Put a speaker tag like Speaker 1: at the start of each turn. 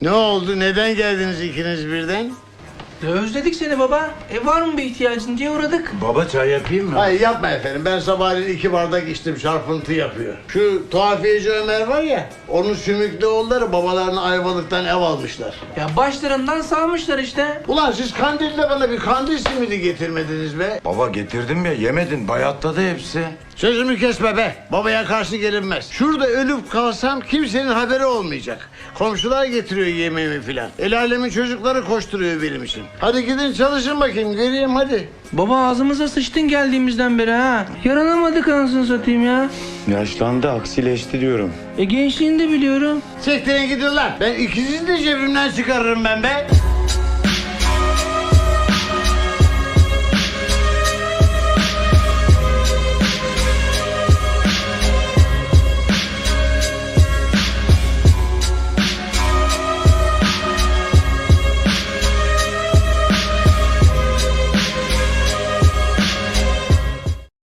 Speaker 1: Ne oldu? Neden geldiniz ikiniz birden?
Speaker 2: Ya özledik seni baba. Var mı bir ihtiyacın diye uğradık.
Speaker 3: Baba çay yapayım mı?
Speaker 1: Hayır yapma efendim. Ben sabahleyin 2 bardak içtim. Çarpıntı yapıyor. Şu tuhafiyeci Ömer var ya, onun sümüklü oğulları babalarını Ayvalık'tan ev almışlar.
Speaker 2: Ya başlarından salmışlar işte.
Speaker 1: Ulan siz kandille bana bir kandil simidi getirmediniz be.
Speaker 3: Baba getirdim ya, yemedin, bayatladı hepsi.
Speaker 1: Sözümü kesme be. Babaya karşı gelinmez. Şurada ölüp kalsam kimsenin haberi olmayacak. Komşular getiriyor yemeğimi filan. El alemin çocukları koşturuyor benim için. Hadi gidin çalışın bakayım. Göreyim hadi.
Speaker 2: Baba ağzımıza sıçtın geldiğimizden beri ha. Yaranamadık anasını satayım ya.
Speaker 3: Yaşlandı, aksileşti diyorum.
Speaker 2: Gençliğini de biliyorum.
Speaker 1: Sektirin gidin lan. Ben ikisini de cebimden çıkarırım ben be.